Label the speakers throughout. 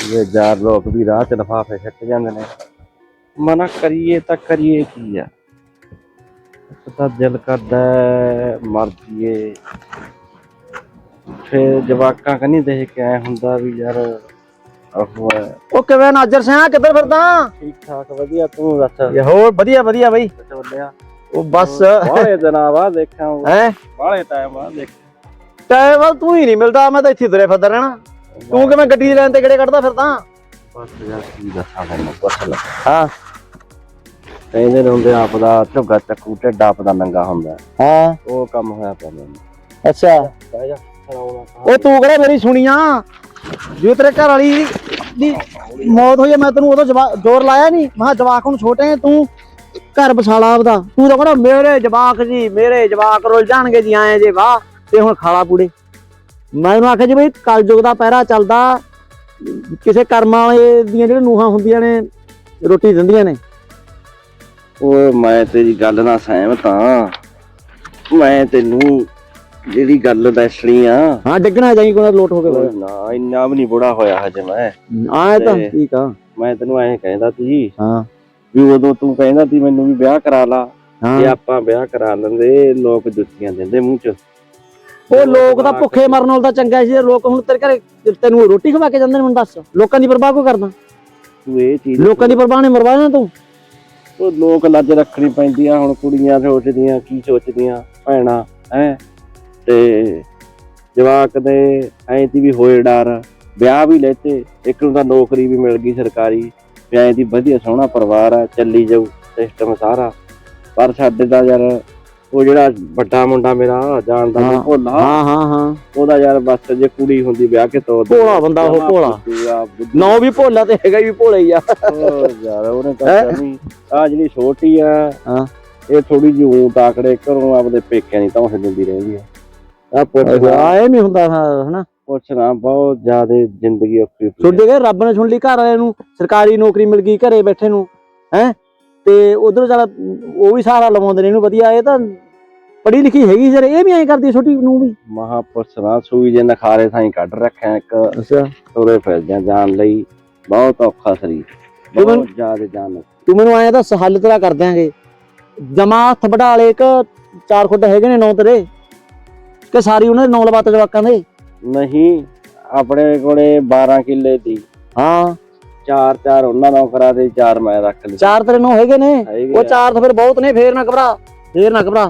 Speaker 1: ਇਹ ਯਾਰ ਲੋਕ ਵੀ ਰਾਹ ਚ ਲਿਫਾਫੇ ਸਿੱਟ ਜਾਂਦੇ ਨੇ। ਮਨਾ ਕਰੀਏ ਤਾਂ ਕਰੀਏ ਕੀ ਆ। ਇੱਕ ਤਾਂ ਦਿਲ ਕਰਦਾ ਮਰ ਜੀਏ, ਫਿਰ ਜਵਾਕਾਂ ਕਨੀ ਦੇਖ ਕੇ ਐ ਹੁੰਦਾ ਵੀ ਯਾਰ
Speaker 2: ਉਹ ਕਿਵੇਂ ਨਾਜਰ ਸਿਆ, ਕਿੱਧਰ ਫਿਰਦਾ?
Speaker 1: ਠੀਕ ਠਾਕ ਵਧੀਆ, ਤੂੰ ਦੱਸ?
Speaker 2: ਹੋਰ ਵਧੀਆ ਵਧੀਆ ਬਈ।
Speaker 1: ਚੱਲਿਆ
Speaker 2: ਉਹ ਬਸ
Speaker 1: ਬਾਹਲੇ ਦਿਨਾਂ ਬਾਅਦ ਦੇਖਾਂ,
Speaker 2: ਹੈ
Speaker 1: ਬਾਹਲੇ ਟਾਈਮ ਬਾਅਦ ਦੇਖ।
Speaker 2: ਟਾਈਮ ਤੂੰ ਹੀ ਨਹੀਂ ਮਿਲਦਾ, ਮੈਂ ਤਾਂ ਇੱਥੇ ਤੁਰੇ ਫਿਰਦਾ ਰਹਿਣਾ। ਤੂੰ ਕਿਵੇਂ ਗੱਡੀ ਲੈਣ ਤੇ ਕਿਹੜੇ ਕੱਢਦਾ ਫਿਰਦਾ?
Speaker 1: ਬਸ ਯਾਰ ਕੀ ਦੱਸਾਂ ਤੈਨੂੰ, ਪੁੱਛ ਲੈ।
Speaker 2: ਹਾਂ
Speaker 1: ਕਹਿੰਦੇ ਨੇ ਹੁੰਦੇ ਆਪਦਾ ਝੁੱਗਾ ਚੱਕੂ ਢਿੱਡ ਆਪਦਾ ਨੰਗਾ ਹੁੰਦਾ।
Speaker 2: ਹਾਂ
Speaker 1: ਉਹ ਕੰਮ ਹੋਇਆ ਪਿਆ ਮੈਨੂੰ।
Speaker 2: ਅੱਛਾ
Speaker 1: ਬਹਿ ਜਾ।
Speaker 2: ਉਹ ਤੂੰ ਕਿਹੜਾ ਮੇਰੀ ਸੁਣੀਆਂ? ਜੇ ਤੇਰੇ ਘਰ ਵਾਲੀ ਦੀ ਮੌਤ ਹੋਈ, ਮੈਂ ਤੈਨੂੰ ਉਦੋਂ ਜ਼ੋਰ ਲਾਇਆ ਨਹੀਂ? ਮੈਂ ਜਵਾਕ ਹੁਣ ਛੋਟੇ ਆ, ਤੂੰ ਘਰ ਬਸਾਲਾ ਆਪਦਾ। ਤੂੰ ਤਾਂ ਕਹਿੰਦਾ ਮੇਰੇ ਜਵਾਕ ਜੀ, ਮੇਰੇ ਜਵਾਕ ਰੁੱਲ ਜਾਣਗੇ ਜੀ, ਆਏ ਜੇ ਵਾਹ ਤੇ ਹੁਣ ਖਾਲਾ ਪੂੜੇ। ਮੈਂ ਉਹਨੂੰ ਆਖਿਆ ਜੀ ਬਈ ਕਲਯੁਗ ਦਾ ਪਹਿਰਾ ਚੱਲਦਾ, ਕਿਸੇ ਕਰਮਾਂ ਵਾਲੇ ਦੀਆਂ ਜਿਹੜੀਆਂ ਨੂਹਾਂ ਹੁੰਦੀਆਂ ਨੇ ਰੋਟੀ ਦਿੰਦੀਆਂ ਨੇ।
Speaker 1: ਓਏ ਮੈਂ ਤੇਰੀ ਗੱਲ ਨਾਲ ਸਹਿਮਤ ਹਾਂ। ਮੈਂ ਤੈਨੂੰ ਜਿਹੜੀ ਗੱਲ ਦੱਸਣੀ ਆ,
Speaker 2: ਹਾਂ ਡਿੱਗਣਾ ਜਾਈ ਕੋਈ ਲੋਟ ਹੋ ਕੇ
Speaker 1: ਨਾ ਇੰਨਾ ਵੀ ਨੀ ਬੁੜਾ ਹੋਇਆ ਹਜੇ ਮੈਂ।
Speaker 2: ਆਏ ਤਾਂ ਠੀਕ ਆ।
Speaker 1: ਮੈਂ ਤੈਨੂੰ ਐਂ ਕਹਿੰਦਾ ਸੀ
Speaker 2: ਹਾਂ
Speaker 1: ਵੀ ਉਦੋਂ ਤੂੰ ਕਹਿੰਦਾ ਸੀ ਮੈਨੂੰ ਵੀ ਵਿਆਹ ਕਰਾ ਲਾ,
Speaker 2: ਹਾਂ
Speaker 1: ਜੇ ਆਪਾਂ ਵਿਆਹ ਕਰਾ ਲੈਂਦੇ ਲੋਕ ਜੁੱਤੀਆਂ ਦਿੰਦੇ ਮੂੰਹ ਚ।
Speaker 2: ਉਹ ਲੋਕ ਤਾਂ ਭੁੱਖੇ ਮਰਨ ਨਾਲ ਤਾਂ ਚੰਗਾ ਸੀ। ਲੋਕ ਹੁਣ ਤੇਰੇ ਘਰੇ ਤੈਨੂੰ ਰੋਟੀ ਖਵਾ ਕੇ ਜਾਂਦੇ ਨੇ। ਮੈਨੂੰ ਦੱਸ, ਲੋਕਾਂ ਦੀ ਪਰਵਾਹ ਕਿਉਂ ਕਰਦਾ?
Speaker 1: ਤੂੰ ਇਹ ਚੀਜ਼
Speaker 2: ਲੋਕਾਂ ਦੀ ਪਰਵਾਹ ਨੇ ਮਰਵਾਣਾ ਤੂੰ।
Speaker 1: ਉਹ ਲੋਕ ਲੱਜ ਰੱਖਣੀ ਪੈਂਦੀਆਂ। ਹੁਣ ਕੁੜੀਆਂ ਸੋਚਦੀਆਂ ਕੀ ਸੋਚਦੀਆਂ ਭੈਣਾਂ ਹੈ, ਤੇ ਜਵਾਕ ਦੇ ਐਂ ਦੀ ਵੀ ਹੋਏ ਡਰ। ਵਿਆਹ ਵੀ ਲੈਤੇ, ਇੱਕ ਨੂੰ ਤਾਂ ਨੌਕਰੀ ਵੀ ਮਿਲ ਗਈ ਸਰਕਾਰੀ, ਐਂ ਦੀ ਵਧੀਆ ਸੋਹਣਾ ਪਰਿਵਾਰ ਆ, ਚੱਲੀ ਜਾਊ ਸਿਸਟਮ ਸਾਰਾ। ਪਰ ਸਾਡੇ ਦਾ ਯਾਰ ਉਹ ਜਿਹੜਾ ਵੱਡਾ ਮੁੰਡਾ ਮੇਰਾ ਜਾਣਦਾ ਨੀ ਭੋਲਾ,
Speaker 2: ਹਾਂ ਹਾਂ ਹਾਂ,
Speaker 1: ਉਹਦਾ ਯਾਰ ਬਸ ਜੇ ਕੁੜੀ ਹੁੰਦੀ ਵਿਆਹ ਕੇ ਤੋਰ
Speaker 2: ਭੋਲਾ ਬੰਦਾ ਉਹ, ਭੋਲਾ ਨਾ ਵੀ ਭੋਲਾ ਤੇ ਹੈਗਾ ਵੀ ਭੋਲਾ ਹੀ ਆ
Speaker 1: ਯਾਰ। ਉਹਨੇ ਤਾਂ ਆ ਜਿਹੜੀ ਛੋਟੀ ਆ
Speaker 2: ਹਾਂ,
Speaker 1: ਇਹ ਥੋੜੀ ਜਿਹੀ ਊਂ ਤਾਕੜੇ ਘਰੋਂ ਆਪਦੇ ਪੇਕਿਆਂ ਦੀ ਧੌਂਸ ਦਿੰਦੀ ਰਹਿੰਦੀ ਆ।
Speaker 2: ਆਏ ਨੀ ਹੁੰਦਾ ਹਨਾ।
Speaker 1: ਪੁੱਛਣਾ ਬਹੁਤ ਜ਼ਿਆਦਾ ਜ਼ਿੰਦਗੀ ਔਖੀ।
Speaker 2: ਛੋਡੇ ਗਏ ਰੱਬ ਨੇ ਸੁਣ ਲਈ, ਘਰ ਵਾਲਿਆਂ ਨੂੰ ਸਰਕਾਰੀ ਨੌਕਰੀ ਮਿਲ ਗਈ ਘਰੇ ਬੈਠੇ ਨੂੰ ਹੈ, ਤੇ ਉਧਰ ਚੱਲ ਉਹ ਵੀ ਸਹਾਰਾ ਲਵਾਉਂਦੇ ਨੇ ਇਹਨੂੰ ਵਧੀਆ। ਇਹ ਤਾਂ ਪੜ੍ਹੀ ਲਿਖੀ ਹੈਗੀ ਯਾਰ, ਇਹ ਵੀ ਐਂ ਕਰਦੀ ਛੋਟੀ ਨੂੰ ਵੀ।
Speaker 1: ਮਹਾ ਪੁੱਛਣਾ ਸੂਈ ਜੇ ਨਖਾਰੇ ਥਾਈ ਕੱਢ ਰੱਖਿਆ ਇੱਕ।
Speaker 2: ਅੱਛਾ
Speaker 1: ਤੁਰੇ ਫਿਰਦਿਆਂ ਜਾਣ ਲਈ ਬਹੁਤ ਔਖਾ ਸਰੀਰ, ਬਹੁਤ ਜ਼ਿਆਦਾ ਜਾਨ।
Speaker 2: ਤੂੰ ਮੈਨੂੰ ਆਇਆ ਦੱਸ, ਹੱਲ ਤੇਰਾ ਕਰ ਦਿਆਂਗੇ। ਜਮਾ ਹੱਥ ਵਢਾ ਲੇ, ਇੱਕ 4 ਖੁੱਡ ਹੈਗੇ ਨੇ 9 ਤੇਰੇ, ਕਿ ਸਾਰੀ ਉਹਨਾਂ ਦੇ 9 ਲਵਾਤ ਜਵਾਕਾਂ ਦੇ?
Speaker 1: ਨਹੀਂ, ਆਪਣੇ ਕੋਲੇ 12 ਕਿੱਲੇ ਦੀ।
Speaker 2: ਹਾਂ
Speaker 1: 4 ਉਹਨਾਂ ਨਾਲ ਕਰਾ ਦੇ, 4 ਮੈਂ ਰੱਖ ਲਈ।
Speaker 2: 4 ਤੇਰੇ 9 ਹੈਗੇ ਨੇ। ਉਹ 4 ਤਾਂ ਫਿਰ ਬਹੁਤ ਨੇ। ਫੇਰ ਨਾ ਘਬਰਾ, ਫੇਰ ਨਾ ਘਬਰਾ।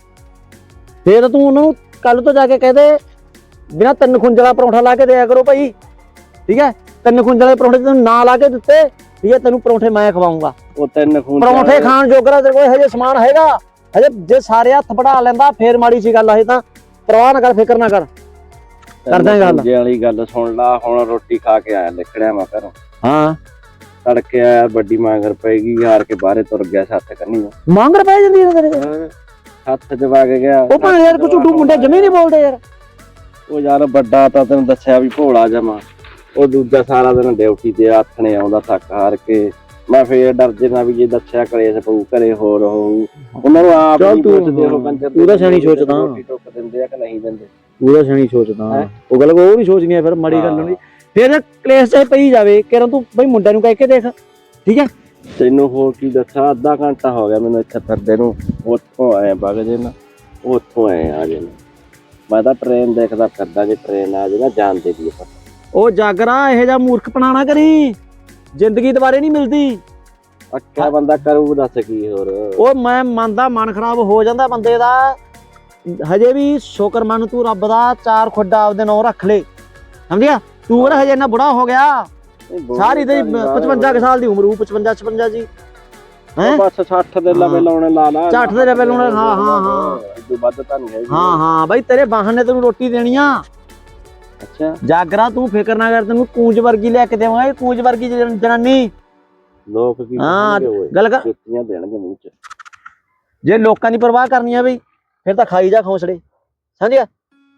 Speaker 2: ਫੇਰ ਤੂੰ ਉਹਨਾਂ ਨੂੰ ਕੱਲ ਤੋਂ ਜਾ ਕੇ ਕਹਿ ਦੇ ਬਿਨਾਂ 3 ਖੁੰਝਲਾ ਪਰੌਂਠਾ ਲਾ ਕੇ ਦਿਆ ਕਰੋ ਭਾਈ, ਠੀਕ ਹੈ? 3 ਖੁੰਝਲੇ ਪਰੌਂਠੇ ਤੈਨੂੰ ਨਾ ਲਾ ਕੇ ਦਿੱਤੇ, ਠੀਕ ਹੈ? ਤੈਨੂੰ ਪਰੌਂਠੇ ਮੈਂ ਖਵਾਉਂਗਾ।
Speaker 1: ਉਹ 3
Speaker 2: ਪਰੌਂਠੇ ਖਾਣ ਜੋਗਰਾ ਤੇਰੇ ਕੋਲ ਹਜੇ ਸਮਾਨ ਹੈਗਾ? ਹਜੇ ਜੇ ਸਾਰੇ ਹੱਥ ਵਢਾ ਲੈਂਦਾ ਫੇਰ ਮਾੜੀ ਸੀ ਗੱਲ। ਹਜੇ ਤਾਂ ਪਰਵਾਹ ਨਾ ਕਰ, ਫਿਕਰ ਨਾ ਕਰ, ਕਰਦਾ ਗੱਲ।
Speaker 1: ਜੇ ਵਾਲੀ ਗੱਲ ਸੁਣ ਲਾ। ਹੁਣ ਰੋਟੀ ਖਾ ਕੇ ਆਇਆ, ਲਿਖੜਿਆ ਮੈਂ ਘਰੋਂ।
Speaker 2: ਹਾਂ
Speaker 1: ਤੜਕੇ ਆਇਆ, ਵੱਡੀ ਮਾਂਗਰ ਪਏਗੀ, ਹਾਰ ਕੇ ਬਾਹਰੇ ਤੁਰ ਗਿਆ ਸੱਤ ਕੰਨੀ।
Speaker 2: ਮੰਗਰ ਪੈ ਜਾਂਦੀ ਹੈ ਤੇਰੇ
Speaker 1: ਹੱਥ ਚ ਵਗ ਗਿਆ।
Speaker 2: ਉਹ ਭਾਵੇਂ ਯਾਰ ਕੁਝ ਝੂਠੂ ਮੁੰਡੇ ਜਮੀ ਨਹੀਂ ਬੋਲਦੇ ਯਾਰ।
Speaker 1: ਉਹ ਯਾਰ ਵੱਡਾ ਤਾਂ ਤੈਨੂੰ ਦੱਸਿਆ ਵੀ ਭੋਲਾ ਜਮਾ। ਉਹ ਦੂਜਾ ਸਾਰਾ ਦਿਨ ਡਿਊਟੀ ਤੇ ਆਥਣੇ ਆਉਂਦਾ ਥੱਕ ਹਾਰ ਕੇ। ਮੈਂ ਫੇਰ ਡਰ ਜਨਾ ਵੀ ਜੇ ਦੱਸਿਆ ਕਲੇਸ਼ ਪਊ ਘਰੇ, ਹੋਰ ਹੋਊ। ਉਹਨਾਂ ਨੂੰ ਆਪ ਨਹੀਂ ਪੁੱਛਦੇ ਉਹ ਕੰਜਰ।
Speaker 2: ਤੂੰ ਤਾਂ ਸਿਆਣੀ ਸੋਚਦਾ,
Speaker 1: ਰੋਟੀ ਟੁੱਕ ਦਿੰਦੇ ਆ ਕਿ ਨਹੀਂ ਦਿੰਦੇ।
Speaker 2: ਤੂੰ ਤਾਂ ਸਿਆਣੀ ਸੋਚਦਾ। ਉਹ ਗੱਲ ਉਹ ਨਹੀਂ ਸੋਚਣੀ ਫਿਰ ਮਾੜੀ ਗੱਲ ਨਹੀਂ। ਫਿਰ ਕਲੇਸ਼ ਚਾਹੇ ਪਈ ਜਾਵੇ, ਕਿਰਨ ਤੂੰ ਬਈ ਮੁੰਡਿਆਂ ਨੂੰ ਕਹਿ ਕੇ ਦੇਖ, ਠੀਕ ਹੈ?
Speaker 1: ਤੈਨੂੰ ਹੋਰ ਕੀ ਦੱਸਾਂ, ਅੱਧਾ ਘੰਟਾ ਹੋ ਗਿਆ ਮੈਨੂੰ ਇੱਥੇ ਫਿਰਦੇ ਨੂੰ। ਉੱਥੋਂ ਆਏ ਵਗ ਜੇ ਨਾ, ਉੱਥੋਂ ਆਏ ਆ ਜੇ ਨਾ। ਮੈਂ ਤਾਂ ਟ੍ਰੇਨ ਦੇਖਦਾ ਫਿਰਦਾ, ਜੇ ਟ੍ਰੇਨ ਆ ਜੇ ਨਾ ਜਾਣ ਦੇ ਦੀ।
Speaker 2: ਉਹ ਜਾਗਰਾ ਇਹੋ ਜਿਹਾ ਮੂਰਖਪਣਾ ਨਾ ਕਰੀ, ਜ਼ਿੰਦਗੀ ਦੁਬਾਰੇ ਨਹੀਂ ਮਿਲਦੀ।
Speaker 1: ਅੱਛਾ ਬੰਦਾ ਕਰੂ ਦੱਸ ਕੀ ਹੋਰ।
Speaker 2: ਉਹ ਮੈਂ ਮੰਨਦਾ, ਮਨ ਖਰਾਬ ਹੋ ਜਾਂਦਾ ਬੰਦੇ ਦਾ। ਹਜੇ ਵੀ ਸ਼ੁਕਰ ਮੰਨ ਤੂੰ ਰੱਬ ਦਾ, 4 ਖੁੱਡਾ ਆਪਦੇ ਨਾਂ ਰੱਖ ਲੈ, ਸਮਝਿਆ? ਤੂੰ ਕਿਹੜਾ ਹਜੇ ਇੰਨਾ ਬੁੜਾ ਹੋ ਗਿਆ? ਸਾਰੀ ਤੇ 55 ਸਾਲ ਦੀ ਉਮਰ, 55 ਜੀ ਹੈ।
Speaker 1: ਬਸ 60 ਦੇ ਲਵੇ ਲਾਉਣੇ ਲਾ ਲਾ।
Speaker 2: 60 ਦੇ ਲਵੇ ਲਾਉਣੇ। ਹਾਂ ਹਾਂ ਹਾਂ,
Speaker 1: ਇਦੋਂ ਵੱਧ ਤਾਂ ਨਹੀਂ ਹੈਗੀ।
Speaker 2: ਹਾਂ ਹਾਂ ਬਾਈ, ਤੇਰੇ ਵਾਹਨ ਨੇ ਤੈਨੂੰ ਰੋਟੀ ਦੇਣੀ ਆ।
Speaker 1: ਅੱਛਾ
Speaker 2: ਜਾਗਰਾ ਤੂੰ ਫਿਕਰ ਨਾ ਕਰ, ਤੈਨੂੰ ਕੂੰਜ ਵਰਗੀ ਲੈ ਕੇ ਦੇਵਾਂਗੇ, ਕੂੰਜ ਵਰਗੀ ਜਨਾਨੀ।
Speaker 1: ਲੋਕ ਕੀ
Speaker 2: ਗੱਲ ਕਰ,
Speaker 1: ਜੁੱਤੀਆਂ ਦੇਣਗੇ ਮੂੰਹ ਚ।
Speaker 2: ਜੇ ਲੋਕਾਂ ਦੀ ਪਰਵਾਹ ਕਰਨੀ ਆ ਬਈ, ਫਿਰ ਤਾਂ ਖਾਈ ਜਾ ਖੌਂਸੜੇ, ਸਮਝਿਆ?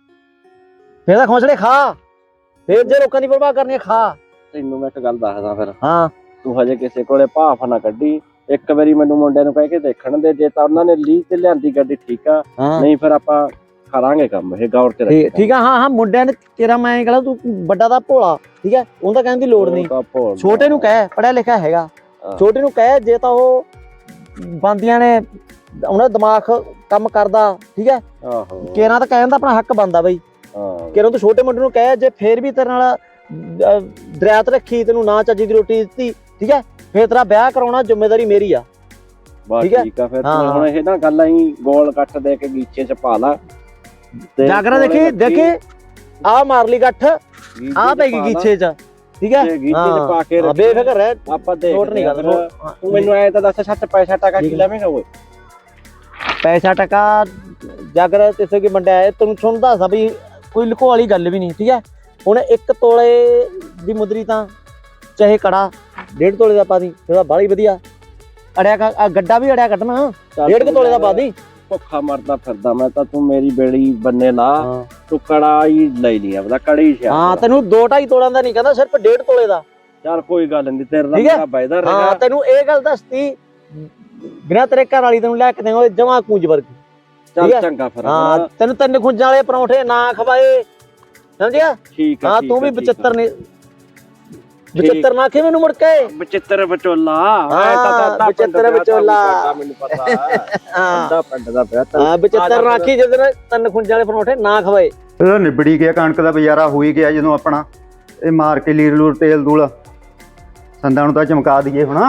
Speaker 2: ਫਿਰ ਤਾਂ ਖੌਂਸੜੇ ਖਾ। ਫਿਰ ਜੇ ਲੋਕਾਂ ਦੀ ਪਰਵਾਹ ਕਰਨੀ ਆ, ਖਾ।
Speaker 1: ਤੈਨੂੰ ਮੈਂ ਇੱਕ ਗੱਲ ਦੱਸਦਾ ਫਿਰ।
Speaker 2: ਹਾਂ
Speaker 1: ਤੂੰ ਹਜੇ ਕਿਸੇ ਕੋਲੇ ਭਾਫ ਨਾ ਕੱਢੀ। ਇੱਕ ਵਾਰੀ ਮੈਨੂੰ ਮੁੰਡਿਆਂ ਨੂੰ ਕਹਿ ਕੇ ਦੇਖਣ ਦੇ, ਜੇ ਤਾਂ ਉਹਨਾਂ ਨੇ ਲੀਹ ਤੇ ਲਿਆਂਦੀ ਗੱਡੀ ਠੀਕ ਆ, ਨਹੀਂ ਫਿਰ ਆਪਾਂ ਕਰਾਂਗੇ ਕੰਮ ਇਹ ਗੌਰ ਚ ਰੱਖੀ
Speaker 2: ਠੀਕ ਆ। ਹਾਂ ਮੁੰਡਿਆਂ ਨੇ ਤੇਰਾ ਮੈਂ ਕਹਿੰਦਾ ਤੂੰ ਵੱਡਾ ਦਾ ਭੋਲਾ, ਠੀਕ ਹੈ, ਉਹਦਾ ਕਹਿਣ ਦੀ ਲੋੜ ਨਹੀਂ। ਛੋਟੇ ਨੂੰ ਕਹਿ, ਪੜਿਆ ਲਿਖਿਆ ਹੈਗਾ, ਛੋਟੇ ਨੂੰ ਕਹਿ ਜੇ ਤਾਂ ਉਹ ਬੰਦੀਆਂ ਨੇ ਉਹਨਾਂ ਦਾ ਦਿਮਾਗ ਕੰਮ ਕਰਦਾ, ਠੀਕ ਹੈ, ਕੇਰਾਂ ਤਾਂ ਕਹਿਣ ਦਾ ਆਪਣਾ ਹੱਕ ਬਣਦਾ ਬਈ। ਕੇਰਾਂ ਤੂੰ ਛੋਟੇ ਮੁੰਡੇ ਨੂੰ ਕਹਿ ਜੇ ਫੇਰ ਵੀ ਤੇਰੇ ਨਾਲ ਦਰਿਆਤ ਰੱਖੀ, ਤੈਨੂੰ ਨਾ ਚੱਜੀ ਦੀ ਰੋਟੀ ਦਿੱਤੀ, ਠੀਕ ਹੈ, ਫੇਰ ਤੇਰਾ ਵਿਆਹ ਕਰਾਉਣਾ ਜ਼ਿੰਮੇਵਾਰੀ ਮੇਰੀ ਆ।
Speaker 1: ਠੀਕ ਆ ਫਿਰ ਹੁਣ ਇਹ ਨਾ ਗੱਲ ਅਸੀਂ ਗੋਲ ਕੱਟ ਦੇ ਕੇ ਗੀਚੇ ਚ ਪਾ ਲਾ।
Speaker 2: ਜਾਗਰਾ ਦੇਖੀ ਆ ਮਾਰ ਲਈ ਗੱਠ, ਆ ਪੈ ਗਈ ਗੀਚੇ ਚ, ਠੀਕ ਹੈ,
Speaker 1: ਗੀਚੇ ਚ ਪਾ ਕੇ
Speaker 2: ਬੇਫਿਕਰ ਰਹਿ,
Speaker 1: ਆਪਾਂ ਦੇਖ ਨਹੀਂ ਗੱਲ। ਤੂੰ ਮੈਨੂੰ ਐ ਤਾਂ ਦੱਸ, ਸੱਚ ਪੈਸਾ ਟਕਾ ਕੀ ਲਵੇਂਗਾ ਓਏ?
Speaker 2: ਪੈਸਾ ਟਕਾ ਜਾਗਰਾ ਕਿਸੇ ਕੀ ਵੰਡਿਆ ਹੈ ਤੈਨੂੰ ਸੁਣਦਾ ਸਾ ਵੀ ਕੋਈ ਲੁਕੋ ਵਾਲੀ ਗੱਲ ਵੀ ਨਹੀਂ, ਠੀਕ ਹੈ। ਹੁਣ 1 ਤੋਲੇ ਦੀ ਮੁੰਦਰੀ ਤਾਂ ਚਾਹੇ ਕੜਾ 1.5 ਤੋਲੇ ਦਾ ਪਾ ਦੀ, ਉਹਦਾ ਬਾਹਲੀ ਵਧੀਆ। ਅੜਿਆ ਗੱਡਾ ਵੀ ਅੜਿਆ ਕੱਢਣਾ 1.5 ਤੋਲੇ ਦਾ ਪਾ ਦੀ।
Speaker 1: ਭੁੱਖਾ ਮਰਦਾ ਫਿਰਦਾ ਮੈਂ ਤਾਂ, ਤੂੰ ਮੇਰੀ ਬੇੜੀ ਬੰਨੇ ਲਾ, ਤੂੰ ਕੜਾ ਹੀ ਲੈ ਲਈ ਆਪਦਾ, ਕੜੀ ਸ਼ਾ।
Speaker 2: ਹਾਂ ਤੈਨੂੰ 2-2.5 ਤੋਲਿਆਂ ਦਾ ਨਹੀਂ ਕਹਿੰਦਾ, ਸਿਰਫ 1.5 ਤੋਲੇ ਦਾ।
Speaker 1: ਚੱਲ ਕੋਈ ਗੱਲ ਨਹੀਂ, ਤੇਰੇ ਨਾਲ ਮੇਰਾ ਵਾਅਦਾ ਰਹੇਗਾ।
Speaker 2: ਹਾਂ ਤੈਨੂੰ ਇਹ ਗੱਲ ਦੱਸਤੀ, ਬਿਨਾਂ ਤੇਰੇ ਘਰ ਵਾਲੀ ਤੈਨੂੰ ਲੈ ਕੇ ਦੇਵਾਂਗੇ ਜਮਾ ਕੂੰਜ ਵਰਗੀ।
Speaker 1: ਚੱਲ ਚੰਗਾ ਫਿਰ।
Speaker 2: ਹਾਂ ਤੈਨੂੰ 3 ਖੁੰਜਾਂ ਵਾਲੇ ਪਰੌਂਠੇ ਨਾ ਖਵਾਏ, ਸਮਝਿਆ?
Speaker 1: ਠੀਕ ਆ।
Speaker 2: ਹਾਂ ਤੂੰ ਵੀ 75 ਨੇ 75 ਨਾ ਕਿ ਮੈਨੂੰ ਮੁੜ ਕੇ
Speaker 1: 75 ਵਿਚੋਲਾ।
Speaker 2: ਹਾਂ 75 ਵਿਚੋਲਾ,
Speaker 1: ਮੈਨੂੰ ਪਤਾ ਹਾਂ ਪਿੰਡ ਦਾ ਪਿਆ।
Speaker 2: ਹਾਂ 75 ਨਾਖੀ ਜਦੋਂ 3 ਖੁੰਜਾਂ ਵਾਲੇ ਪਰੌਂਠੇ ਨਾ ਖਵਾਏ।
Speaker 3: ਇਹਦਾ ਨਿਬੜੀ ਗਿਆ, ਕਣਕ ਦਾ ਬਜ਼ਾਰਾ ਹੋ ਹੀ ਗਿਆ। ਜਦੋਂ ਆਪਣਾ ਇਹ ਮਾਰ ਕੇ ਲੀਰ ਲੂਰ ਤੇਲ ਦੂਲ ਸੰਦਾਂ ਨੂੰ ਤਾਂ ਚਮਕਾ ਦਈਏ ਹੁਣ।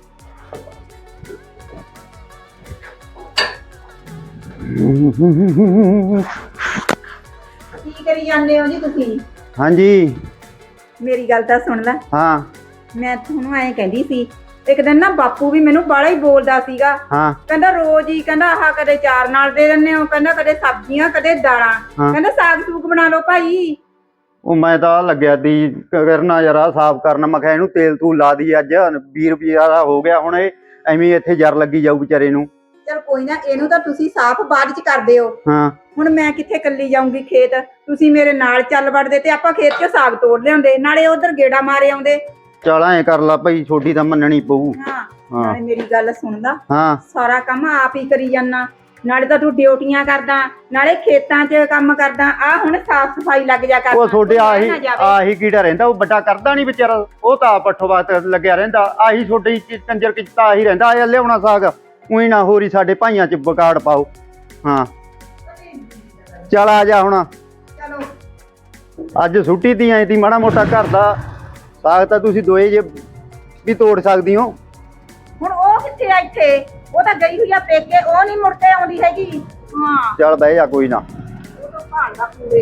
Speaker 4: ਕੀ ਕਰੀ ਜਾਂਦੇ ਹੋ ਜੀ ਤੁਸੀਂ?
Speaker 3: ਹਾਂਜੀ
Speaker 4: ਮੇਰੀ ਗੱਲ ਤਾਂ ਸੁਣ ਲੈ।
Speaker 3: ਹਾਂ
Speaker 4: ਮੈਂ ਤੁਹਾਨੂੰ ਐਂ ਕਹਿੰਦੀ ਸੀ, ਇੱਕ ਦਿਨ ਨਾ ਬਾਪੂ ਵੀ ਮੈਨੂੰ ਬਾਹਲਾ ਹੀ ਬੋਲਦਾ ਸੀਗਾ।
Speaker 3: ਹਾਂ
Speaker 4: ਕਹਿੰਦਾ ਰੋਜ਼ ਹੀ, ਕਹਿੰਦਾ ਆਹ ਕਦੇ ਚਾਰ ਨਾਲ ਦੇ ਦਿੰਦੇ ਹੋ, ਕਹਿੰਦਾ ਕਦੇ ਸਬਜ਼ੀਆਂ ਕਦੇ ਦਾਲਾਂ, ਕਹਿੰਦਾ ਸਾਗ ਸੂਗ ਬਣਾ ਲਓ ਭਾਈ।
Speaker 3: ਉਹ ਮੈਂ ਤਾਂ ਲੱਗਿਆ ਤੀ ਕਰਨਾ ਯਾਰ ਸਾਫ਼ ਕਰਨਾ। ਮੈਂ ਕਿਹਾ ਇਹਨੂੰ ਤੇਲ ਤੂਲ ਲਾ ਦੀ, ਅੱਜ 20 ਰੁਪਈਆ ਦਾ ਹੋ ਗਿਆ। ਹੁਣ ਇਹ ਐਵੇਂ ਇੱਥੇ ਜਰ ਲੱਗੀ ਜਾਊ ਵਿਚਾਰੇ ਨੂੰ।
Speaker 4: ਚਲ ਕੋਈ ਨਾ, ਇਹਨੂੰ ਤਾਂ ਤੁਸੀਂ ਸਾਫ਼ ਬਾਅਦ ਚ ਕਰਦੇ ਹੋ।
Speaker 3: ਹਾਂ
Speaker 4: ਹੁਣ ਮੈਂ ਕਿੱਥੇ ਕੱਲੀ ਜਾਊਂਗੀ ਖੇਤ, ਤੁਸੀਂ ਮੇਰੇ ਨਾਲ ਚੱਲ ਵੜਦੇ ਤੇ ਆਪਾਂ ਖੇਤ 'ਚ ਸਾਗ ਤੋੜ ਲਿਆਉਂਦੇ, ਨਾਲੇ ਉਧਰ ਗੇੜਾ ਮਾਰੇ ਆਉਂਦੇ।
Speaker 3: ਚੱਲ ਐਂ ਕਰ ਲਾ ਭਾਈ, ਛੋਟੀ ਤਾਂ ਮੰਨਣੀ ਪਊ।
Speaker 4: ਹਾਂ ਨਾਲੇ ਮੇਰੀ ਗੱਲ ਸੁਣਦਾ,
Speaker 3: ਹਾਂ
Speaker 4: ਸਾਰਾ ਕੰਮ ਆਪ ਹੀ ਕਰੀ ਜਾਨਾ, ਨਾਲੇ ਤਾਂ ਤੂੰ ਡਿਊਟੀਆਂ ਕਰਦਾ, ਨਾਲੇ ਖੇਤਾਂ 'ਚ ਕੰਮ ਕਰਦਾ। ਆ ਹੁਣ ਸਾਫ਼ ਸਫਾਈ ਲੱਗ ਜਾ ਕਰ।
Speaker 3: ਉਹ ਛੋਟੇ ਆਹੀ ਕੀੜਾ ਰਹਿੰਦਾ, ਉਹ ਵੱਡਾ ਕਰਦਾ ਨਹੀਂ ਵਿਚਾਰਾ। ਉਹ ਤਾਂ ਪੱਠੋ ਬਾਤ ਲੱਗਿਆ ਰਹਿੰਦਾ। ਆਹੀ ਛੋਟੀ ਕੰਜਰ ਕਿਚਤਾ ਆਹੀ ਰਹਿੰਦਾ। ਆ ਲਿਆਉਣਾ ਸਾਗ, ਉਹੀ ਨਾ ਹੋਰੀ ਸਾਡੇ ਭਾਈਆਂ 'ਚ ਵਿਗਾੜ ਪਾਓ। ਹਾਂ ਚੱਲ ਆ ਜਾ ਹੁਣ।
Speaker 4: ਚਲੋ
Speaker 3: ਅੱਜ ਛੁੱਟੀ ਤੀ ਆਈ ਤੀ, ਮਾੜਾ ਮੋਟਾ ਘਰ ਦਾ ਸਾਗ ਤਾਂ ਤੁਸੀਂ ਦੋਏ ਜੇ ਵੀ ਤੋੜ ਸਕਦੀ ਹੋ।
Speaker 4: ਹੁਣ ਉਹ ਕਿੱਥੇ ਆ? ਇੱਥੇ ਉਹ ਤਾਂ ਗਈ ਹੋਈ ਆ ਪੇਕੇ, ਉਹ ਨਹੀਂ ਮੁੜ ਕੇ ਆਉਂਦੀ ਹੈਗੀ। ਹਾਂ
Speaker 3: ਚੱਲ ਬਹਿ ਜਾ, ਕੋਈ ਨਾ।
Speaker 4: ਉਹ ਤਾਂ ਭਾਲਦਾ ਪੂਰੇ।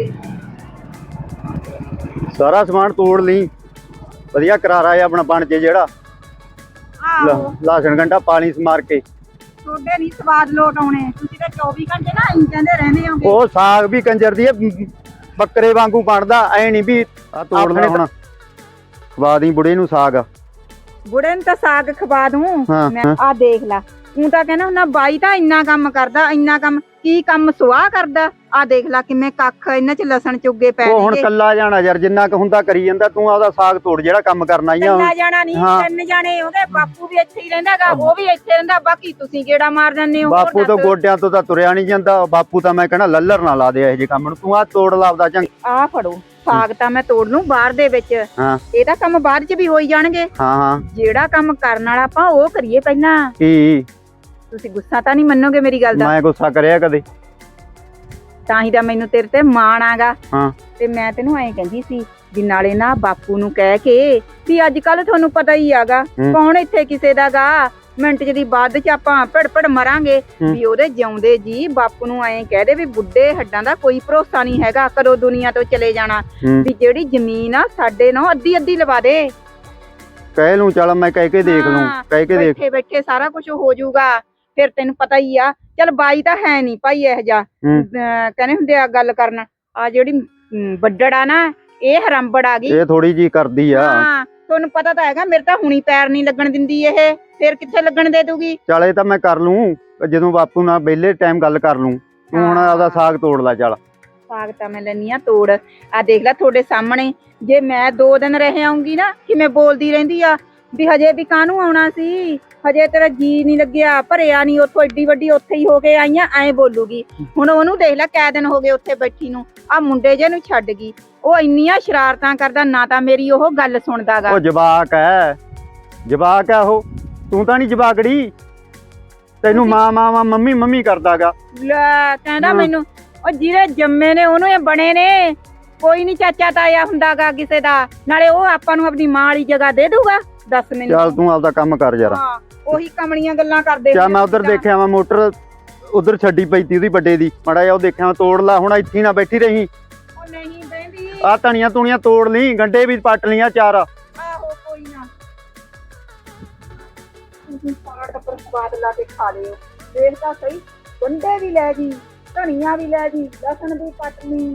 Speaker 3: ਸਾਰਾ ਸਮਾਨ ਤੋੜ ਲਈ, ਵਧੀਆ ਕਰਾਰਾ ਆ ਆਪਣਾ ਬਣ ਜੇ ਜਿਹੜਾ।
Speaker 4: ਆਹੋ
Speaker 3: ਲਸਣ ਗੰਢਾ ਪਾਣੀ ਸਮਾਰ ਕੇ।
Speaker 4: ਤੁਹਾਡੇ ਨਹੀਂ ਸਵਾਦ ਲੋਟ ਆਉਣੇ, ਤੁਸੀਂ ਤਾਂ 24 ਘੰਟੇ ਨਾ ਇੰਜ ਕਹਿੰਦੇ ਰਹਿੰਦੇ ਹੋਗੇ।
Speaker 3: ਉਹ ਸਾਗ ਵੀ ਕੰਜਰ ਦੀ ਬੱਕਰੇ ਵਾਂਗੂ ਬਣਦਾ, ਐ ਨਹੀਂ ਵੀ ਆ ਤੋੜ ਲੈ। ਹੁਣ ਖਵਾ ਦੀ ਬੁੜੇ ਨੂੰ ਸਾਗ।
Speaker 4: ਬੁੜੇ ਨੂੰ ਤਾਂ ਸਾਗ ਖਵਾ ਦੂੰ ਮੈਂ।
Speaker 3: ਹਾਂ।
Speaker 4: ਆ ਦੇਖ ਲਾ, ਤੂੰ ਤਾਂ ਕਹਿੰਦਾ ਹੁੰਦਾ ਬਾਈ ਤਾਂ ਇੰਨਾ ਕੰਮ ਕਰਦਾ, ਇੰਨਾ ਕੰਮ ਕੀ ਕੰਮ ਸੁਆਹ ਕਰਦਾ। ਆ ਦੇਖ ਲਾ ਕਿਵੇਂ ਕੱਖ ਇਹਨਾਂ 'ਚ ਲਸਣ ਚੁੱਗੇ ਪੈ
Speaker 3: ਉਹ ਹੁਣ ਕੱਲਾ ਜਾਣਾ ਯਾਰ, ਜਿੰਨਾ ਕੁ ਹੁੰਦਾ ਕਰੀ ਜਾਂਦਾ। ਤੂੰ ਆਪਦਾ ਸਾਗ ਤੋੜ ਜਿਹੜਾ ਕੰਮ ਕਰਨਾ ਹੀ ਆ।
Speaker 4: ਕੱਲਾ ਜਾਣਾ ਨਹੀਂ, 3 ਜਾਣੇ ਹੋਗੇ। ਬਾਪੂ ਵੀ ਇੱਥੇ ਹੀ ਰਹਿੰਦਾਗਾ, ਉਹ ਵੀ ਇੱਥੇ ਰਹਿੰਦਾ, ਬਾਕੀ ਤੁਸੀਂ ਗੇੜਾ ਮਾਰ ਜਾਂਦੇ ਹੋ।
Speaker 3: ਬਾਪੂ ਤੋਂ ਗੋਡਿਆਂ ਤੋਂ ਤਾਂ ਤੁਰਿਆ ਨਹੀਂ ਜਾਂਦਾ। ਬਾਪੂ ਤਾਂ ਮੈਂ ਕਹਿਣਾ ਲੱਲਰ ਨਾ ਲਾ ਦੇ ਇਹੋ ਜਿਹੇ ਕੰਮ ਨੂੰ। ਤੂੰ ਆ ਤੋੜ ਲਾ ਆਪਦਾ ਚੰਗ।
Speaker 4: ਆ ਫੜੋ ਸਾਗ ਤਾਂ ਮੈਂ ਤੋੜ ਲੂੰ ਬਾਹਰ ਦੇ ਵਿੱਚ।
Speaker 3: ਹਾਂ
Speaker 4: ਇਹਦਾ ਕੰਮ ਬਾਅਦ 'ਚ ਵੀ ਹੋਈ ਜਾਣਗੇ।
Speaker 3: ਹਾਂ
Speaker 4: ਜਿਹੜਾ ਕੰਮ ਕਰਨ ਵਾਲਾ ਆਪਾਂ ਉਹ ਕਰੀਏ ਪਹਿਲਾਂ।
Speaker 3: ਕੀ
Speaker 4: ਤੁਸੀਂ ਗੁੱਸਾ ਤਾਂ ਨਹੀਂ ਮੰਨੋਗੇ ਮੇਰੀ ਗੱਲ ਦਾ?
Speaker 3: ਮੈਂ ਗੁੱਸਾ ਕਰਿਆ ਕਦੇ?
Speaker 4: ਤਾਂ ਹੀ ਤਾਂ ਮੈਨੂੰ ਤੇਰੇ ਤੇ ਮਾਣ ਆਗਾ।
Speaker 3: ਹਾਂ
Speaker 4: ਤੇ ਮੈਂ ਤੈਨੂੰ ਐਂ ਕਹਿੰਦੀ ਸੀ ਵੀ ਨਾਲੇ ਨਾ ਬਾਪੂ ਨੂੰ ਕਹਿ ਕੇ ਵੀ ਅੱਜ ਕੱਲ ਤੁਹਾਨੂੰ ਪਤਾ ਹੀ ਆਗਾ ਕੌਣ ਇੱਥੇ ਕਿਸੇ ਦਾਗਾ। ਮਿੰਟ ਚ ਦੀ ਬਾਅਦ ਚ ਆਪਾਂ ਭੜ ਮਰਾਂਗੇ। ਵੀ ਉਹਦੇ ਜਿਉਂਦੇ ਜੀ ਬਾਪੂ ਨੂੰ ਐਂ ਕਹਿ ਦੇ ਵੀ ਬੁੱਢੇ ਹੱਡਾਂ ਦਾ ਕੋਈ ਭਰੋਸਾ ਨਹੀਂ ਹੈਗਾ, ਕਦੋਂ ਦੁਨੀਆ ਤੋਂ ਚਲੇ ਜਾਣਾ। ਵੀ ਜਿਹੜੀ ਜ਼ਮੀਨ ਆ ਸਾਡੇ ਨਾਲ ਅੱਧੀ ਲਵਾ ਦੇ।
Speaker 3: ਕਹਿ ਲੂੰ, ਚੱਲ ਮੈਂ ਕਹਿ ਕੇ ਦੇਖ ਲੂੰ। ਕਹਿ ਕੇ ਦੇਖ,
Speaker 4: ਬੈਠੇ ਬੈਠੇ ਸਾਰਾ ਕੁਝ ਹੋ ਜਾਊਗਾ। ਫਿਰ ਤੈਨੂੰ ਪਤਾ ਹੀ ਆ। ਚੱਲ ਬਾਈ ਤਾਂ ਹੈ ਨਹੀਂ ਭਾਈ ਇਹ ਜਾ ਕਹਿੰਦੇ ਹੁੰਦੇ ਆ ਗੱਲ ਕਰਨ। ਆ ਜਿਹੜੀ ਵੱਡੜ ਆ ਨਾ, ਇਹ ਹਰੰਬੜ ਆ ਗਈ।
Speaker 3: ਇਹ ਥੋੜੀ ਜੀ ਕਰਦੀ ਆ।
Speaker 4: ਹਾਂ ਤੁਹਾਨੂੰ ਪਤਾ ਤਾਂ ਹੈਗਾ, ਮੇਰੇ ਤਾਂ ਹੁਣੀ ਪੈਰ ਨਹੀਂ ਲੱਗਣ ਦਿੰਦੀ ਇਹ, ਫਿਰ ਕਿੱਥੇ ਲੱਗਣ ਦੇ ਦੂਗੀ।
Speaker 3: ਚੱਲ ਇਹ ਤਾਂ ਮੈਂ ਕਰ ਲੂੰ, ਜਦੋਂ ਬਾਪੂ ਨਾਲ ਵਿਹਲੇ ਟਾਈਮ ਗੱਲ ਕਰ ਲੂੰ। ਤੂੰ ਹੁਣ ਆਪਦਾ ਸਾਗ ਤੋੜ ਲੈ। ਚੱਲ
Speaker 4: ਸਾਗ ਤਾਂ ਮੈਂ ਲੈਣੀ ਆ ਤੋੜ। ਆ ਦੇਖ ਲੈ ਤੁਹਾਡੇ ਸਾਹਮਣੇ, ਜੇ ਮੈਂ 2 ਦਿਨ ਰਹਿ ਆਉਂਗੀ ਨਾ ਕਿਵੇਂ ਬੋਲਦੀ ਰਹਿੰਦੀ ਆ। ਵੀ ਹਜੇ ਵੀ ਕਾਹਨੂੰ ਆਉਣਾ ਸੀ, ਹਜੇ ਤੇਰਾ ਜੀ ਨਹੀਂ ਲੱਗਿਆ, ਭਰਿਆ ਨਹੀਂ, ਉੱਥੋਂ ਏਡੀ ਵੱਡੀ ਉੱਥੇ ਹੀ ਹੋ ਕੇ ਆਈਆਂ, ਐਂ ਬੋਲੂਗੀ। ਹੁਣ ਉਹਨੂੰ ਦੇਖ ਲੈ ਕੈ ਦਿਨ ਹੋ ਗਏ ਉੱਥੇ ਬੈਠੀ ਨੂੰ, ਆ ਮੁੰਡੇ ਜੇ ਨੂੰ ਛੱਡ ਗਈ, ਉਹ ਇੰਨੀਆਂ ਸ਼ਰਾਰਤਾਂ ਕਰਦਾ, ਨਾ ਤਾਂ ਮੇਰੀ ਉਹ ਗੱਲ ਸੁਣਦਾਗਾ।
Speaker 3: ਉਹ ਜਵਾਕ ਹੈ ਉਹ, ਤੂੰ ਤਾਂ ਨਹੀਂ ਜਵਾਕੜੀ, ਤੈਨੂੰ ਮਾਂ ਮੰਮੀ ਮੰਮੀ ਕਰਦਾਗਾ।
Speaker 4: ਲੈ ਕਹਿੰਦਾ ਮੈਨੂੰ, ਉਹ ਜਿਹਦੇ ਜੰਮੇ ਨੇ ਉਹਨੂੰ ਇਹ ਬਣੇ ਨੇ, ਕੋਈ ਨਹੀਂ ਚਾਚਾ ਤਾਇਆ ਹੁੰਦਾਗਾ ਕਿਸੇ ਦਾ, ਨਾਲੇ ਉਹ ਆਪਾਂ ਨੂੰ ਆਪਣੀ ਮਾਂ ਵਾਲੀ ਜਗ੍ਹਾ ਦੇ ਦੂਗਾ। ਦੱਸ ਮੈਨੂੰ।
Speaker 3: ਚੱਲ ਤੂੰ ਆਪਦਾ ਕੰਮ ਕਰ ਯਾਰ।
Speaker 4: ਹਾਂ ਉਹੀ ਕਮਲੀਆਂ ਗੱਲਾਂ ਕਰਦੇ।
Speaker 3: ਚੱਲ ਮੈਂ ਉਧਰ ਦੇਖਿਆ ਵਾ ਮੋਟਰ ਉਧਰ ਛੱਡੀ ਪਈ ਤੀ ਉਹਦੀ ਵੱਡੇ ਦੀ, ਮਾੜਾ ਜਿਹਾ ਉਹ ਦੇਖਿਆ, ਤੋੜ ਲਾ, ਹੁਣ ਇੱਥੇ ਨਾ ਬੈਠੀ ਰਹੀ।
Speaker 4: ਉਹ ਨਹੀਂ ਬਹਿੰਦੀ।
Speaker 3: ਆ ਧਣੀਆਂ ਤੁਣੀਆਂ ਤੋੜ ਲਈ, ਗੰਡੇ ਵੀ ਪੱਟ ਲੀਆਂ 4।
Speaker 4: ਆਹੋ ਕੋਈ ਨਾ, ਤੁਸੀਂ ਸਾਰਾ ਟੱਬਰ ਸਵਾਦ ਲਾ ਕੇ ਖਾ ਲਿਓ। ਦੇਖ ਤਾਂ ਸਹੀ, ਗੰਡੇ ਵੀ ਲੈ ਜੀ, ਧਨੀਆ ਵੀ ਲੈ ਜੀ, ਲਸਣ ਵੀ ਕੱਟ ਲਈ।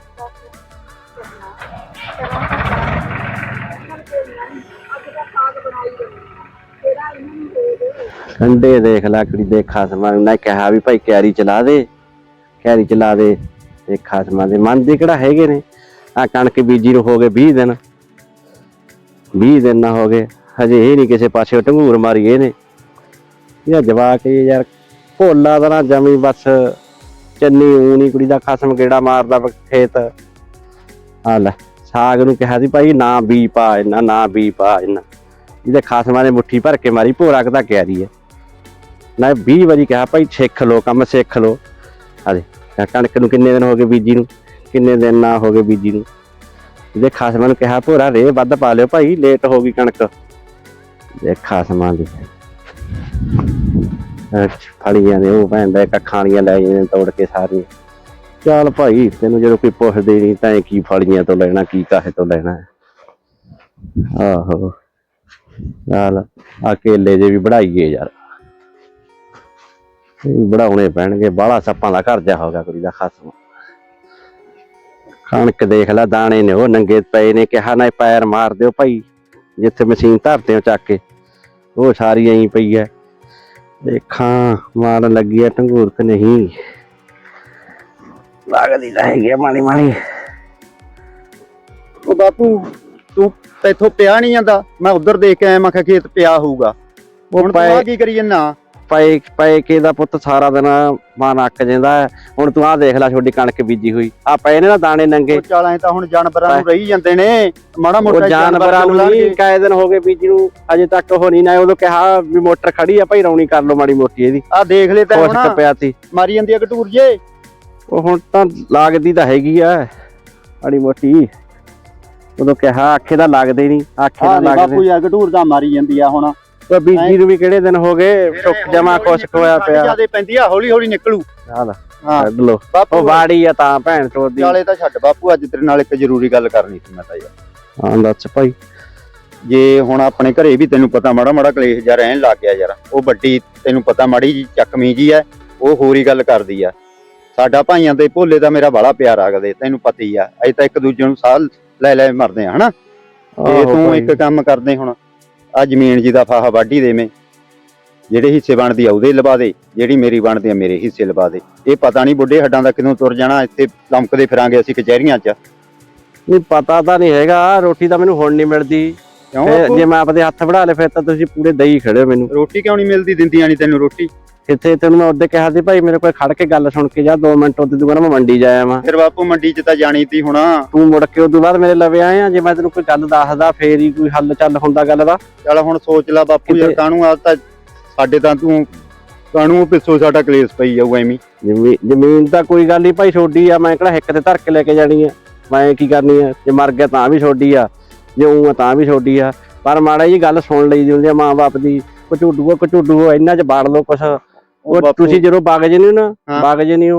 Speaker 1: ਠੰਡੇ ਦੇਖ ਲੈ ਕੁੜੀ ਦੇ ਖਾਸਮਾਂ ਨੂੰ, ਨਾ ਕਿਹਾ ਵੀ ਭਾਈ ਕਿਆਰੀ ਚਲਾ ਦੇ ਤੇ ਖਾਸਮਾਂ ਦੇ ਮਨ ਦੇ ਕਿਹੜਾ ਹੈਗੇ ਨੇ। ਆ ਕਣਕ ਬੀਜੀ ਨੂੰ ਹੋ ਗਏ 20 ਦਿਨ, 20 ਦਿਨ ਨਾ ਹੋ ਗਏ, ਹਜੇ ਇਹ ਨਹੀਂ ਕਿਸੇ ਪਾਸੇ ਢੰਗੂਰ ਮਾਰੀ ਇਹਨੇ। ਇਹ ਜਵਾਕ ਯਾਰ ਭੋਲਾ ਦਾ ਨਾ ਜਮੀ ਬਸ ਚੰਨੀ ਊਣੀ, ਕੁੜੀ ਦਾ ਖਸਮ ਗੇੜਾ ਮਾਰਦਾ ਖੇਤ। ਆ ਲੈ ਸਾਗ ਨੂੰ ਕਿਹਾ ਸੀ ਭਾਈ ਨਾ ਬੀ ਪਾ ਇੰਨਾ, ਇਹਦੇ ਖਾਸਮਾਂ ਨੇ ਮੁੱਠੀ ਭਰ ਕੇ ਮਾਰੀ, ਭੋਰਾ ਕਦਾ ਕਿਆਰੀ ਹੈ ਨਾ। 20 ਵਾਰੀ ਕਿਹਾ ਭਾਈ ਸਿੱਖ ਲੋ, ਕੰਮ ਸਿੱਖ ਲੋ। ਹਾਲੇ ਕਣਕ ਨੂੰ ਕਿੰਨੇ ਦਿਨ ਹੋ ਗਏ ਬੀਜੀ ਨੂੰ, ਕਿੰਨੇ ਦਿਨ ਨਾ ਹੋ ਗਏ ਬੀਜੀ ਨੂੰ। ਇਹਦੇ ਖਾਸਮਾਂ ਨੂੰ ਕਿਹਾ ਭੋਰਾ ਰੇ ਵੱਧ ਪਾ ਲਿਓ ਭਾਈ, ਲੇਟ ਹੋ ਗਈ ਕਣਕ। ਇਹ ਖਾਸਮਾਂ ਦੀ ਫਲੀਆਂ ਦੇ ਉਹ ਭੈਣ ਦਾ ਕੱਖਾਂ ਵਾਲੀਆਂ ਲੈ ਜਾਂਦੇ ਤੋੜ ਕੇ ਸਾਰੀਆਂ। ਚੱਲ ਭਾਈ ਤੈਨੂੰ ਜਦੋਂ ਕੋਈ ਪੁੱਛਦੇ ਨਹੀਂ ਤਾਂ ਕੀ ਫਲੀਆਂ ਤੋਂ ਲੈਣਾ, ਕੀ ਕਾਹੇ ਤੋਂ ਲੈਣਾ। ਆਹੋ ਚੱਲ ਆ ਕੇਲੇ ਜੇ ਵੀ ਬਣਾਈਏ ਯਾਰ, ਬਣਾਉਣੇ ਪੈਣਗੇ, ਬਾਹਲਾ ਸੱਪਾਂ ਦਾ ਘਰ ਜਾ ਹੋਗਾ ਕੁੜੀ ਦਾ ਖਸਮ। ਕਣਕ ਦੇਖ ਲੈ ਦਾਣੇ ਨੇ ਉਹ ਨੰਗੇ ਪਏ ਨੇ, ਕਿਹਾ ਨਾ ਪੈਰ ਮਾਰ ਦਿਓ ਭਾਈ, ਜਿੱਥੇ ਮਸ਼ੀਨ ਧਰਦੇ ਹੋ ਚੱਕ ਕੇ ਉਹ ਸਾਰੀ ਐਂ ਪਈ ਹੈ। ਦੇਖਾਂ ਮਾਰਨ ਲੱਗੀ ਆ ਢੰਗੂਰ ਕਿ ਨਹੀਂ, ਲੱਗਦੀ ਤਾਂ ਹੈਗੀ ਆ ਮਾੜੀ ਮਾੜੀ।
Speaker 3: ਉਹ ਬਾਪੂ ਤੂੰ ਇੱਥੋਂ ਪਿਆ ਨਹੀਂ ਜਾਂਦਾ, ਮੈਂ ਉਧਰ ਦੇਖ ਕੇ ਆਇਆ, ਮੈਂ ਕਿਹਾ ਖੇਤ ਪਿਆ ਹੋਊਗਾ। ਹੁਣ ਤੂੰ ਆ ਕੀ ਕਰੀ ਜੰਨਾ?
Speaker 1: ਪਏ ਕੇ ਦਾ ਪੁੱਤ ਸਾਰਾ ਦਿਨ ਮਨ ਅੱਕ ਜਾਂਦਾ। ਹੁਣ ਤੂੰ ਆਹ ਦੇਖ ਲੈ ਛੋਟੀ ਕਣਕ ਬੀਜੀ ਹੋਈ, ਆ ਪਏ ਨੇ ਨਾ ਦਾਣੇ ਨੰਗੇ।
Speaker 3: ਚੱਲ ਐ ਤਾਂ ਹੁਣ ਜਾਨਵਰਾਂ ਨੂੰ ਰਹੀ ਜਾਂਦੇ ਨੇ, ਮਾੜਾ ਮੋਟਾ
Speaker 1: ਜਾਨਵਰਾਂ ਨੂੰ ਨਹੀਂ, ਕਾਏ ਦਿਨ ਹੋ ਗਏ ਬੀਜੀ ਨੂੰ, ਅਜੇ ਤੱਕ ਉਹ ਨਹੀਂ ਨਾ। ਉਦੋਂ ਕਿਹਾ ਵੀ ਮੋਟਰ ਖੜੀ ਆ ਭਾਈ, ਰੌਣੀ ਕਰ ਲੋ ਮਾੜੀ ਮੋਟੀ ਇਹਦੀ।
Speaker 3: ਆ ਦੇਖ ਲੈ ਤਾਂ ਹੁਣ
Speaker 1: ਪਿਆ ਸੀ,
Speaker 3: ਮਾਰੀ ਜਾਂਦੀ ਆ ਘਟੂਰ ਜੇ।
Speaker 1: ਉਹ ਹੁਣ ਤਾਂ ਲੱਗਦੀ ਤਾਂ ਹੈਗੀ ਆ ਮਾੜੀ ਮੋਟੀ, ਉਦੋਂ ਕਿਹਾ ਆਖੇ ਦਾ ਲੱਗਦੇ ਨਹੀਂ, ਆਖੇ ਦਾ ਲੱਗਦੇ।
Speaker 3: ਬਾਪੂ ਯਾਰ ਘਟੂਰ ਤਾਂ ਮਾਰੀ ਜਾਂਦੀ ਆ ਹੁਣ।
Speaker 1: ਬੀਜੀ ਨੂੰ ਵੀ ਕਿਹੜੇ ਦਿਨ ਹੋ ਗਏ, ਸੁੱਕ ਜਮਾ ਖੁਸ਼ਕ ਹੋਇਆ ਪਿਆ।
Speaker 3: ਜਿਆਦੇ ਪੈਂਦੀ ਆ, ਹੌਲੀ ਹੌਲੀ ਨਿਕਲੂ।
Speaker 1: ਹਾਂ ਛੱਡ ਲੋ, ਉਹ ਬਾੜੀ ਆ ਤਾਂ ਭੈਣ ਚੋਦ ਦੀ।
Speaker 3: ਨਾਲੇ ਤਾਂ ਛੱਡ ਬਾਪੂ, ਅੱਜ ਤੇਰੇ ਨਾਲ ਇੱਕ ਜ਼ਰੂਰੀ ਗੱਲ ਕਰਨੀ ਸੀ ਮੈਂ ਤਾਂ ਯਾਰ।
Speaker 1: ਹਾਂ ਦੱਸ ਭਾਈ।
Speaker 3: ਜੇ ਹੁਣ ਆਪਣੇ ਘਰੇ ਵੀ ਤੈਨੂੰ ਪਤਾ ਮਾੜਾ ਮਾੜਾ ਕਲੇਸ਼ ਜਿਹਾ ਰਹਿਣ ਲੱਗ ਗਿਆ ਯਾਰ, ਉਹ ਵੱਡੀ ਤੈਨੂੰ ਪਤਾ ਮਾੜੀ ਜੀ ਚੱਕਮੀ ਜੀ ਐ, ਉਹ ਹੋਰ ਹੀ ਗੱਲ ਕਰਦੀ ਆ। ਸਾਡਾ ਭਾਈਆਂ ਦੇ ਭੋਲੇ ਦਾ ਮੇਰਾ ਬਾਲਾ ਪਿਆਰ ਆਗਦੇ, ਤੈਨੂੰ ਪਤਾ ਹੀ ਆ, ਅਸੀਂ ਤਾਂ ਇੱਕ ਦੂਜੇ ਨੂੰ ਸਾਹ ਲੈ ਲੈ ਮਰਦੇ ਆ ਹਨਾ। ਤੇ ਤੂੰ ਇੱਕ ਕੰਮ ਕਰਦੇ, ਹੁਣ ਆ ਜ਼ਮੀਨ ਜੀ ਦਾ ਫਾਹਾ ਵਾਢੀ ਦੇਵੇਂ, ਜਿਹੜੇ ਹਿੱਸੇ ਬਣਦੀ ਆ ਉਹਦੇ ਲਵਾ ਦੇ, ਜਿਹੜੀ ਮੇਰੀ ਬਣਦੀ ਆ ਮੇਰੇ ਹਿੱਸੇ ਲਵਾ ਦੇ। ਇਹ ਪਤਾ ਨਹੀਂ ਬੁੱਢੇ ਹੱਡਾਂ ਦਾ ਕਿਦੋਂ ਤੁਰ ਜਾਣਾ, ਇੱਥੇ ਲੰਮਕਦੇ ਫਿਰਾਂਗੇ ਅਸੀਂ ਕਚਹਿਰੀਆਂ 'ਚ।
Speaker 1: ਨਹੀਂ ਪਤਾ ਤਾਂ ਨਹੀਂ ਹੈਗਾ, ਰੋਟੀ ਤਾਂ ਮੈਨੂੰ ਹੁਣ ਨਹੀਂ ਮਿਲਦੀ। ਜੇ ਮੈਂ ਆਪਦੇ ਹੱਥ ਵੜਾ ਲੇ ਫਿਰ ਤਾਂ ਤੁਸੀਂ ਪੂਰੇ ਦਈ ਖੜੇ ਹੋ ਮੈਨੂੰ।
Speaker 3: ਰੋਟੀ ਕਿਉਂ ਨਹੀਂ ਮਿਲਦੀ, ਦਿੰਦੀਆਂ ਨਹੀਂ ਤੈਨੂੰ ਰੋਟੀ?
Speaker 1: ਕਿੱਥੇ, ਤੈਨੂੰ ਮੈਂ ਉਹਦੇ ਕਿਹਾ ਸੀ ਭਾਈ ਮੇਰੇ ਕੋਲ ਖੜ ਕੇ ਗੱਲ ਸੁਣ ਕੇ ਜਾ 2 ਮਿੰਟ, ਉਹਦੇ ਤੋਂ ਬਾਅਦ ਮੈਂ ਮੰਡੀ ਜਾਇਆ ਵਾਂ।
Speaker 3: ਫਿਰ ਬਾਪੂ ਮੰਡੀ 'ਚ ਤਾਂ ਜਾਣੀ ਤੀ ਹੁਣ।
Speaker 1: ਤੂੰ ਮੁੜ ਕੇ ਉਦੋਂ ਬਾਅਦ ਮੇਰੇ ਲਵੇ ਆਇਆ, ਜੇ ਮੈਂ ਤੈਨੂੰ ਕੋਈ ਗੱਲ ਦੱਸਦਾ ਫੇਰ ਹੀ ਕੋਈ ਹੱਲ ਚੱਲ ਹੁੰਦਾ ਗੱਲ ਦਾ।
Speaker 3: ਚੱਲ ਹੁਣ ਸੋਚ ਲੈ ਬਾਪੂ ਯਾਰ, ਕਾਹਨੂੰ ਆ ਤਾਂ ਸਾਡੇ ਤਾਂ ਤੂੰ ਕਾਹਨੂੰ ਪਿੱਛੋਂ ਸਾਡਾ ਕਲੇਸ਼ ਪਈ ਜਾਊ ਐਵੇਂ।
Speaker 1: ਜ਼ਮੀਨ ਤਾਂ ਕੋਈ ਗੱਲ ਨਹੀਂ ਭਾਈ ਛੋਡੀ ਆ, ਮੈਂ ਕਿਹੜਾ ਹਿੱਕ ਤੇ ਧਰ ਕੇ ਲੈ ਕੇ ਜਾਣੀ ਆ, ਮੈਂ ਕੀ ਕਰਨੀ ਆ। ਜੇ ਮਰ ਗਿਆ ਤਾਂ ਵੀ ਛੋਡੀ ਆ, ਜੇ ਊਂ ਤਾਂ ਵੀ ਛੋਡੀ ਆ। ਪਰ ਮਾੜਾ ਜੀ ਗੱਲ ਸੁਣ ਲਈ ਦੀ ਹੁੰਦੀ ਆ ਮਾਂ ਬਾਪ ਦੀ। ਕਚੂਡੂ ਇਹਨਾਂ 'ਚ ਬਾੜ ਲਓ ਕੁਛ। ਉਹ ਤੁਸੀਂ ਜਦੋਂ ਬਾਗ ਜੇ ਨਹੀਂ ਨਾ, ਬਾਗ ਜੇ ਨਹੀਂ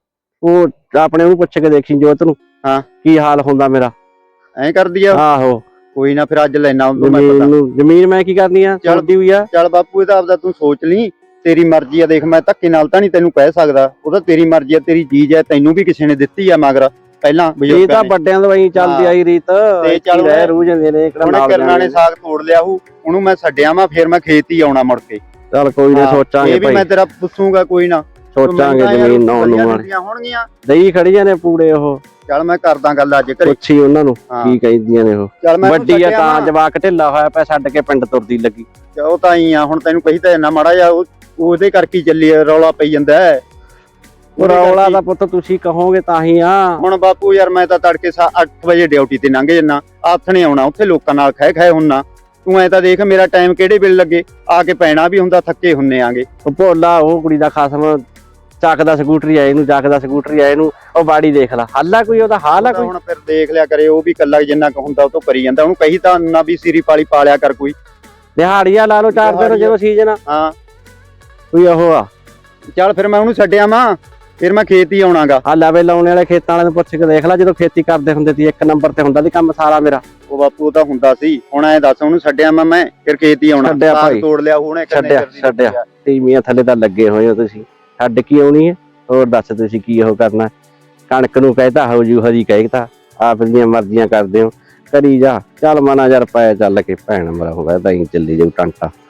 Speaker 1: ਉਹ ਆਪਣੇ ਉਹਨੂੰ ਪੁੱਛ ਕੇ ਦੇਖੀ ਜੋਤ ਨੂੰ ਕੀ ਹਾਲ ਹੁੰਦਾ ਮੇਰਾ।
Speaker 3: ਐਂ ਕਰਦੀ ਆ?
Speaker 1: ਆਹੋ
Speaker 3: ਕੋਈ ਨਾ, ਫਿਰ ਅੱਜ ਲੈਣਾ
Speaker 1: ਜ਼ਮੀਨ ਮੈਂ ਕੀ ਕਰਨੀ ਆ, ਛੋਡੀ ਹੋਈ ਆ।
Speaker 3: ਚੱਲ ਬਾਪੂ ਇਹ ਤਾਂ ਆਪਦਾ ਤੂੰ ਸੋਚ ਲਈ, ਤੇਰੀ ਮਰਜ਼ੀ ਆ। ਦੇਖ ਮੈਂ ਧੱਕੇ ਨਾਲ ਤਾਂ ਨਹੀਂ ਤੈਨੂੰ ਕਹਿ ਸਕਦਾ, ਉਹ ਤਾਂ ਤੇਰੀ ਮਰਜ਼ੀ ਆ, ਤੇਰੀ ਚੀਜ਼ ਆ, ਤੈਨੂੰ ਵੀ ਕਿਸੇ ਨੇ ਦਿੱਤੀ ਆ ਮਗਰ ਪਹਿਲਾਂ।
Speaker 1: ਇਹ ਤਾਂ ਵੱਡਿਆਂ ਤੋਂ ਐਂ ਚੱਲਦੀ ਆਈ ਰੀਤ,
Speaker 3: ਤੇ ਚੱਲ
Speaker 1: ਰਹਿ ਰੂ ਜਾਂਦੇ ਨੇ।
Speaker 3: ਕਿਰਨਾਂ ਨੇ ਸਾਗ ਤੋੜ ਲਿਆ ਉਹਨੂੰ ਮੈਂ ਛੱਡਿਆ ਵਾ, ਫਿਰ ਮੈਂ ਖੇਤ ਹੀ ਆਉਣਾ ਮੁੜ ਕੇ।
Speaker 1: ਚੱਲ ਕੋਈ ਨਾ ਸੋਚਾਂਗੇ
Speaker 3: ਇਹ ਵੀ ਮੈਂ ਤੇਰਾ ਪੁੱਛੂਗਾ, ਕੋਈ ਨਾ
Speaker 1: ਸੋਚਾਂਗੇ। ਜ਼ਮੀਨ ਨਾ ਹੋਣਗੀਆਂ, ਦਈ ਖੜੀਆਂ ਨੇ ਪੂੜੇ ਉਹ।
Speaker 3: ਚੱਲ ਮੈਂ ਕਰਦਾ ਗੱਲ ਅੱਜ ਘਰੇ।
Speaker 1: ਪੁੱਛੀ ਉਹਨਾਂ ਨੂੰ
Speaker 3: ਹਾਂ।
Speaker 1: ਕੀ ਕਹਿੰਦੀਆਂ ਨੇ ਉਹ।
Speaker 3: ਚੱਲ ਮੈਂ
Speaker 1: ਵੱਡੀ ਆ ਤਾਂ ਜਵਾਕ ਢਿੱਲਾ ਹੋਇਆ ਪਿਆ, ਛੱਡ ਕੇ ਪਿੰਡ ਤੁਰਦੀ ਲੱਗੀ।
Speaker 3: ਉਹ ਤਾਂ ਹੀ ਆ, ਹੁਣ ਤੈਨੂੰ ਕਹੀ ਤਾਂ ਇੰਨਾ ਮਾੜਾ ਜਿਹਾ ਉਹਦੇ ਕਰਕੇ ਹੀ ਚੱਲੀ ਰੌਲਾ ਪਈ ਜਾਂਦਾ ਹੈ।
Speaker 1: ਉਹ ਰੌਲਾ ਦਾ ਪੁੱਤ ਤੁਸੀਂ ਕਹੋਗੇ ਤਾਂ ਹੀ ਆ।
Speaker 3: ਹੁਣ ਬਾਪੂ ਯਾਰ ਮੈਂ ਤਾਂ ਤੜਕੇ 8 ਵਜੇ ਡਿਊਟੀ ਤੇ ਲੰਘ ਜੰਨਾ, ਆਥਣੇ ਆਉਣਾ ਉੱਥੇ ਲੋਕਾਂ ਨਾਲ ਖਹਿ ਹੁੰਨਾ। ਤੂੰ ਐ ਤਾਂ ਦੇਖ ਮੇਰਾ ਟਾਈਮ ਕਿਹੜੇ ਵੇਲੇ ਲੱਗੇ, ਆ ਕੇ ਪੈਣਾ ਵੀ ਹੁੰਦਾ, ਥੱਕੇ ਹੁੰਨੇ ਆਂਗੇ।
Speaker 1: ਉਹ ਭੋਲਾ ਉਹ ਕੁੜੀ ਦਾ ਖਸਮ ਚੱਕਦਾ ਸਕੂਟਰੀ ਆਏ ਨੂੰ, ਚੱਕਦਾ ਸਕੂਟਰੀ ਆਏ ਨੂੰ। ਉਹ ਬਾੜੀ ਦੇਖ ਲਾ, ਹੱਲ ਆ ਕੋਈ ਉਹਦਾ, ਹਾਲ ਆ ਕੋਈ।
Speaker 3: ਹੁਣ ਫਿਰ ਦੇਖ ਲਿਆ ਕਰੇ, ਉਹ ਵੀ ਕੱਲਾ ਜਿੰਨਾ ਕੁ ਹੁੰਦਾ ਉਹ ਤੋਂ ਕਰੀ ਜਾਂਦਾ। ਉਹਨੂੰ ਕਹੀ ਤਾਂ ਨਾ ਵੀ ਸਿਰੀ ਪਾਲੀ ਪਾਲਿਆ ਕਰ ਕੋਈ
Speaker 1: ਦਿਹਾੜੀਆ ਲਾ ਲਓ 4 ਦਿਨ ਜਦੋਂ ਸੀਜ਼ਨ ਆ।
Speaker 3: ਹਾਂ
Speaker 1: ਕੋਈ ਉਹ ਆ।
Speaker 3: ਚੱਲ ਫਿਰ ਮੈਂ ਉਹਨੂੰ ਛੱਡਿਆ ਵਾਂ, ਫਿਰ ਮੈਂ ਖੇਤ ਹੀ ਆਉਣਾਗਾ।
Speaker 1: ਆ ਲਵੇ ਲਾਉਣੇ ਵਾਲੇ ਖੇਤਾਂ ਵਾਲਿਆਂ ਨੂੰ ਪੁੱਛ ਕੇ ਦੇਖ ਲੈ, ਜਦੋਂ ਖੇਤੀ ਕਰਦੇ ਹੁੰਦੇ ਸੀ 1 ਨੰਬਰ ਤੇ ਹੁੰਦਾ ਸੀ ਕੰਮ ਸਾਰਾ ਮੇਰਾ।
Speaker 3: ਉਹ ਬਾਪੂ ਤਾਂ ਹੁੰਦਾ ਸੀ, ਹੁਣ ਐ ਦੱਸ ਉਹਨੂੰ ਛੱਡਿਆ ਮੈਂ ਫਿਰ ਖੇਤ ਹੀ ਆਉਣਾ।
Speaker 1: ਛੱਡਿਆ ਭਾਈ,
Speaker 3: ਤੋੜ ਲਿਆ ਉਹਨੇ,
Speaker 1: ਛੱਡਿਆ ਤੀਵੀਆਂ ਥੱਲੇ ਤਾਂ ਲੱਗੇ ਹੋਏ ਹੋ ਤੁਸੀਂ, ਛੱਡ ਕੀ ਆਉਣੀ ਹੈ। ਹੋਰ ਦੱਸ ਤੁਸੀਂ ਕੀ ਉਹ ਕਰਨਾ। ਕਣਕ ਨੂੰ ਕਹਿਤਾ ਹੋ ਜੂ, ਹਰੀ ਕਹਿਤਾ, ਆਪ ਦੀਆਂ ਮਰਜ਼ੀਆਂ ਕਰਦੇ ਹੋ, ਕਰੀ ਜਾ। ਚੱਲ ਮਨਾ ਯਾਰ ਪਾਇਆ ਚੱਲ ਕੇ ਭੈਣ ਮਰਾ ਹੋਇਆ ਤਾਂ ਹੀ ਚੱਲੀ ਜਾਊ ਟਾਂਟਾ।